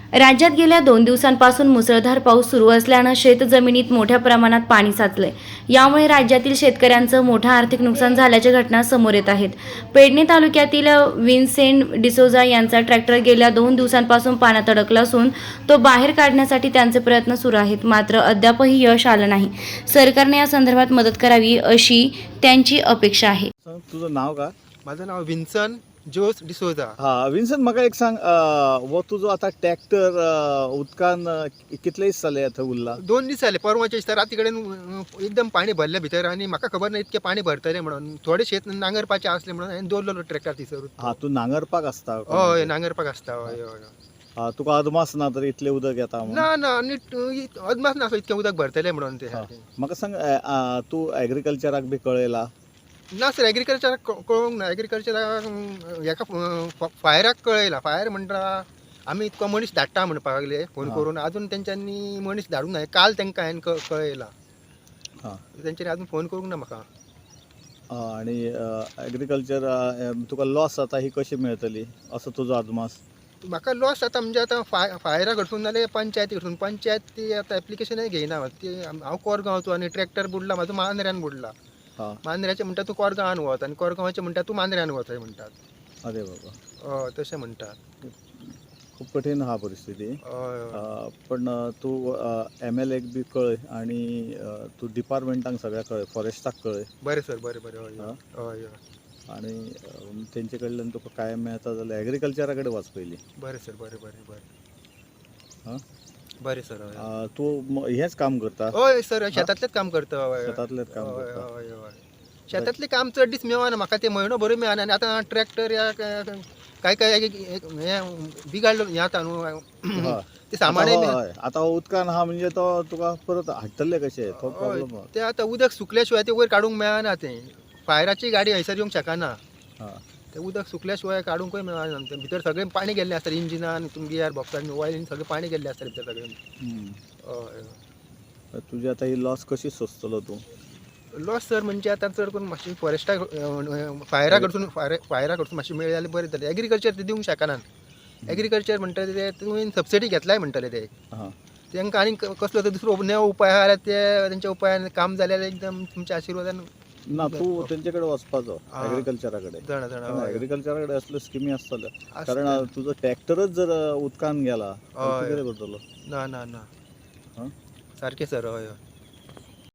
राज्यात गेल्या 2 दिवसांपासून मुसळधार पाऊस सुरू असल्यानं शेतजमिनीत मोठ्या प्रमाणात पाणी साचलंय. यामुळे राज्यातील शेतकऱ्यांचं मोठं आर्थिक नुकसान झाल्याच्या घटना समोर येत आहेत. पेडणे तालुक्यातील विन्सेंट डिसोजा यांचा ट्रॅक्टर गेल्या 2 दिवसांपासून पाण्यात अडकला असून तो बाहेर काढण्यासाठी त्यांचे प्रयत्न सुरू आहेत. मात्र अद्यापही यश आलं नाही. सरकारने या संदर्भात मदत करावी अशी त्यांची अपेक्षा आहे. तुझं नाव का? माझं नाव विन्सन जोस डिसोजा. हा विन्सन, म्हाका एक सांग, वो तुझो आता ट्रॅक्टर उदकान कितले दीस जाले आता उरला? 2 दीस जाले. परवाच्या दिसा राती कडेन एकदम पाणी भरले भितर आनी म्हाका खबर ना इतके पाणी भरतले म्हणून. थोडे शेत नांगरपाचे आसले म्हणून हांवें दवरलेलो ट्रॅक्टर थिसर. हा, तू नांगरपाक आसता? हय, नांगरपाक आसता. हय हय. हा, तुका अदमास ना तर इतले उदक येता म्हणून? ना ना, नीट अदमास ना इतके उदक भरतले म्हणून ते. म्हाका सांग, तू एग्रीकल्चराक बी कळयला? ना सर, एग्रीकल्चराक कळोवंक ना. एग्रीकल्चराक हेका फायराक कळयला. फायर म्हणटा आमी इतको मनीस धाडटा म्हणपाक लागले फोन करून. अजून तेंच्यांनी मनीस धाडूंक ना. काल तेंकां हांवें कळयला. तेंच्यांनी अजून फोन करूंक ना म्हाका. आणि एग्रीकल्चर तुका लॉस जाता ही कशी मेळटली असो तुजो अदमास? म्हाका लॉस जाता म्हणजे आतां फायरा कडसून नाल्यार पंचायती कडसून. पंचायत ती आतां एप्लिकेशनय घेयना. ती हांव कोरगांवचो आनी ट्रॅक्टर बुडला म्हाजो मांद्र्यान बुडला. मांद्र्याचे म्हणटा तूं कोरगांवान वच आनी कोरगांवाचे म्हणटा तूं मांद्र्यान वच म्हणटात. अरे बाबा, हय तशें म्हणटात. खूप कठीण हा परिस्थिती. पण तू MLAक बी कळय आणि तू डिपार्टमेंटाक सगळ्या कळय, फॉरेस्टाक कळय. बरें सर, बरें बरें. हय हय हय. आणि तेंचे कडल्यान तुका काय मेळता जाल्यार एग्रीकल्चरा कडेन वच पयलीं. बरें सर, बरें बरें बरें. हां, बरें सर. हय. तू हेच काम करता? हय सर, शेतांतलेंच काम करता. हय शेतांतलेंच काम हय करता? हय हय. शेतांतलें काम चड दीस मेळना म्हाका. ते म्हयनो भर मेळना. आनी आतां ट्रॅक्टर या काय काय हें बिगाडलो हें आतां न्हू ते सामानय हय, आतां उदकान आहा म्हणजे तो तुका परत हाडटले कशे, तो प्रॉब्लेम. ते आतां उदक सुकल्या शिवाय ते वयर काडूंक मेळना. ते फायराची गाडी हयसर येवंक शकना. ते उदक सुकल्या शिवाय काडूंकय मेळना. ते भितर सगळें पाणी गेल्लें आसता. इंजिनान, गियर बॉक्सान, ऑयलीन सगळें पाणी गेल्लें आसता भितर सगळें. हय. तुजी आतां ही लॉस कशी सोंसतलो तूं? लॉस सर म्हणजे आतां चड करून मातशी फॉरेस्टा फायरा कडसून मातशी मेळ्ळी जाल्यार बरें जातलें. एग्रीकल्चर ते दिवंक शकना. एग्रीकल्चर म्हणटले ते तुवें सबसिडी घेतलाय म्हणटले ते. तांकां आनी कसलो तो दुसरो नवो उपाय आहा जाल्यार ते तेंच्या उपायान काम जाल्यार एकदम तुमच्या आशिर्वादान. ना, तू तेंचे कडेन वचपाचो एग्रीकल्चरा कडेन. जाणा जाणा. एग्रीकल्चरा कडेन असल्यो स्किमी आसतल्यो. कारण तुजो ट्रॅक्टरच जर उदकान गेला तर तूं कितें करतलो? ना ना ना. हां, सारकें सर. हय हय.